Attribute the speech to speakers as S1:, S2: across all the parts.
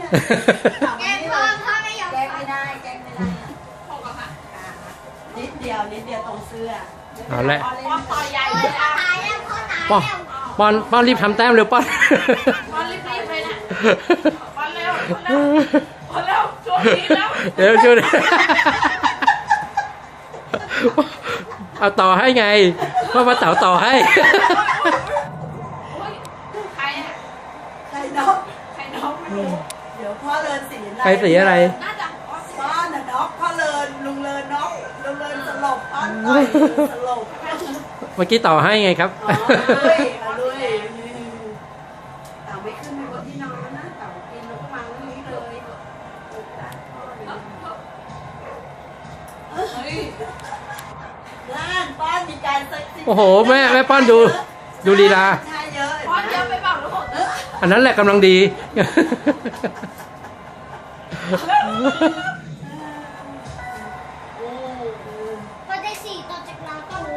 S1: แกล้งพ่อไม่ยอม
S2: แกล้งไม่ได้
S1: พอกับฮะ
S2: นิดเดียวตรงเสื้อ
S3: เอาละ
S1: พ่อต่อยใหญ่เลย
S2: พ่อ
S1: อ่ะ
S2: ตายแล้วพ่อตาย
S3: ป้อน
S2: แล้ว
S3: ป้อนรีบทำแต้มเร็วป้อน
S1: พ่อรีบๆเลยนะพ่อเร็วช่วยทีแล้ว
S3: เดี๋ยวช่วยเอาต่อให้ไงพ่อมาเต๋าต่อให้
S1: ใครอ่ะ
S2: ใครน้อง
S1: ใครน้องไม่รู้
S2: เดี๋ยวพ่อเลินสีอะไร
S3: ใครสีอะไร
S1: น่าจะ
S2: พ่อน่ะน็อกพ่อเลินลุงเลินน็อกลุงเลินสลบพ่อต่อยสลบ
S3: เมื่อกี้ต่อให้ไงครับ
S2: อ๋อเลยเต่าไม่ขึ้นไปบนที่นอนนะเต่ากินแล้วก็วางตรงนี้เลย
S1: เฮ้ย
S2: ล้านป้อนมีการเซ็กซี่
S3: โอ้โหแม่ป้อนดูลีลา
S2: ใช่เยอะ
S1: พ่อเยอะไปเปล่าลูก
S3: อันนั้นแหละกำลังดี
S2: พอได้สี่ต่อจากเราก็รู้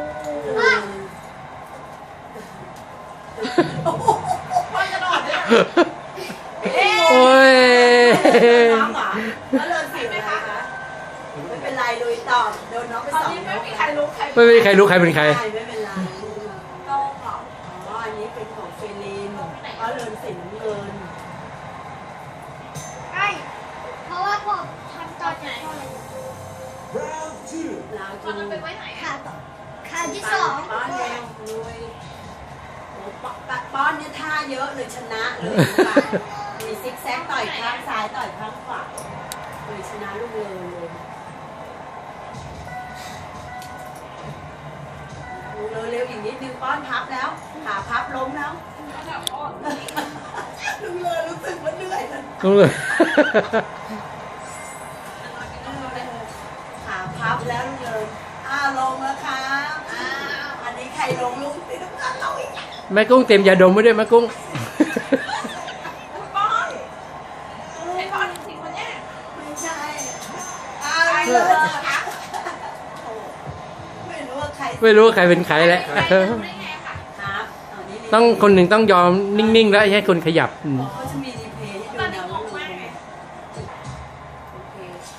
S1: พ่อจะนอนด้วย
S3: โอ้ย
S2: น้องเหรอแล้วเลินสีอะไรคะไม่เป็นไรลุยต่อโดนน้องไป
S1: ตอน
S2: สอง
S1: นี้ไม่มีใครรู้ใคร
S3: ไม่มีใครรู้ใครเป็นใคร
S2: ไม่เป็นไร
S1: โตเหรอ
S2: อ๋ออันนี้เป็นของเฟลินเพราะเลินสีน้ำเงิน
S4: ใช่เพราะว่าผมทำตอนไหน
S2: ลาว
S1: พ่อจะไปไว้ไหน
S4: ขา
S1: อ่ะ
S4: ต่อขาที่สอง
S2: ป้อนเร็วลุยโอ้ป้อนเนี่ยท่าเยอะเลยชนะเลยมีซิกแซกต่อยข้างซ้ายต่อยข้างขวาเลยชนะลูกเลยเร็วอีกนิดนึงป้อนพับแล้วขาพับล้มแล้วลุงเลยรู้สึกว่าเหนื่อยแล้ว
S3: ต้องเลย
S2: ขาพับแล้วลุงเลยลงแล้วครับอันนี้ใครลงลุงติดน้ำตาลเราอีก
S3: แม่กุ้งเต็มยาดมไว้ด้วยแม่กุ้ง
S1: ป้อนไอ้ป้อนจริงๆคนเนี้ย
S2: ไม่ใช่
S1: ใคร
S2: เล
S1: เลย
S2: ย
S1: คะ
S2: ไม่รู้ว่าใคร
S3: ไม่รู้ว่าใครเป็นใครแหละ
S1: ใครรู้ได้ไงค่ะ
S2: ครับ
S3: ต้องคนหนึ่งต้องยอมนิ่งๆแล้วให้คนขยับ
S2: เขาจะมีรีเพลย์ให้
S1: ตอน
S2: ดู
S1: นี้
S2: นะ
S1: ง
S2: ว่าง
S1: มากเลย
S2: โอเค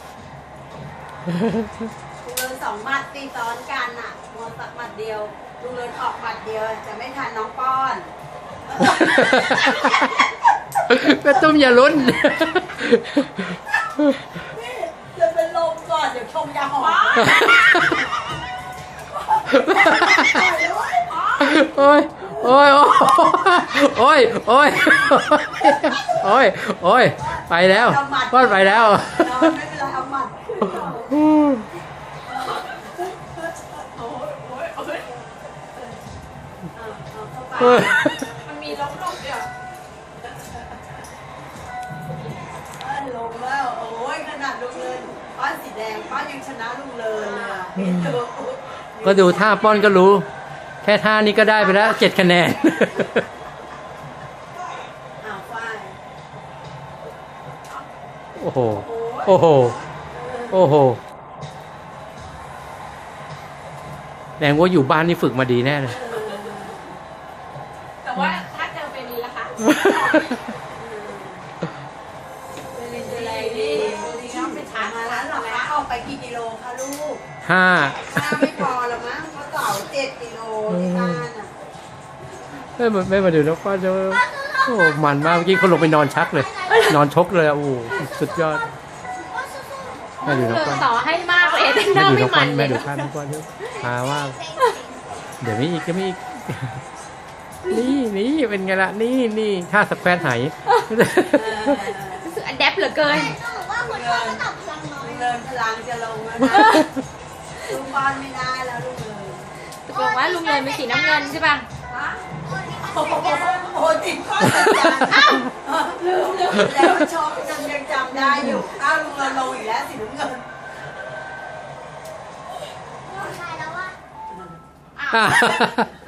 S2: ลุงเลินสองหมัดตีซ้อนกันอ่ะมัวตักหมัดเดียวลุงเลินออกหมัดเดียวจะไม่ทันน้องป้อน
S3: แม่ตุ้มอย่าลุ้น
S2: จะเป็นลมก่อนเดี๋ยวชงยาหอม
S3: โอ้ยโอ้ยโอ้ยโอ้ยโอ้ยโอ้ยไปแล้วป้อนไปแล้ว
S2: ไม่เป็นไรเอาหมัด
S1: โอ้ย
S2: เอาเข้าไป
S1: มันมีล้มลงเดียว
S2: ลงแล้วโอ้ยขนาดลุงเลินป้อนสีแดงป้อนยังชนะลุงเลินเลยอะพี่ดู
S3: ก็ดูท่าป้อนก็รู้ แค่ท่านี้ก็ได้ไปแล้ว7 คะแนน
S2: ฝ้าย
S3: โอ้โห โอ้โห โอ้โหแดงว่าอยู่บ้านนี่ฝึกมาดีแน่เลย
S1: แต่ว่าถ้าเจอเฟรีล่ะคะ
S2: เป็นอะไรดีน้องไปถามมาแล้วหรอคะออกไปกี่กิโลคะลูก
S3: 5
S2: ถ้าไม่พอละมั้งเพราะเต่า7 กิโลที่บ้านอ่ะ
S3: ไม่มาดูแล้วป้าจะโอ้มันมากเมื่อกี้เขาลงไปนอนชักเลย นอนชกเลยอะโอ้โหสุดยอดแม่ดูน้องป้อน
S1: ต่อให้มากเลยแต่ห
S3: แม่
S1: น้า
S3: ดู
S1: ไม่
S3: น้อง
S1: ห
S3: ป้
S1: มั
S3: อน
S1: น
S3: แม่ดูท่าน้องป้อนด้วยหาว่าเดี๋ยวมีอีกก็มีอีก นี่เป็นไงล่ะนี่ท่าสแควร์ไห
S1: รู้สึกอัดแอปเหลือเกิน
S4: ต้องบอกว่าคนพ่อก็ตอบพลังน้อย
S2: เดินพลังจะลงแล้วนะลูกบอลไม่ได้แล้วลูกเลย
S1: ตกลงว่าลุงเงินเป็นสีน้ำเงินใช่ป่ะ
S2: โอ้โหติดข้อสัญญาณลืมแล้วชอบจนยังจำได้อยู่ลุงเงินลงอีกแล้วสีน้ำเงิน
S4: ใช่แล้วว่า
S3: อ่ะ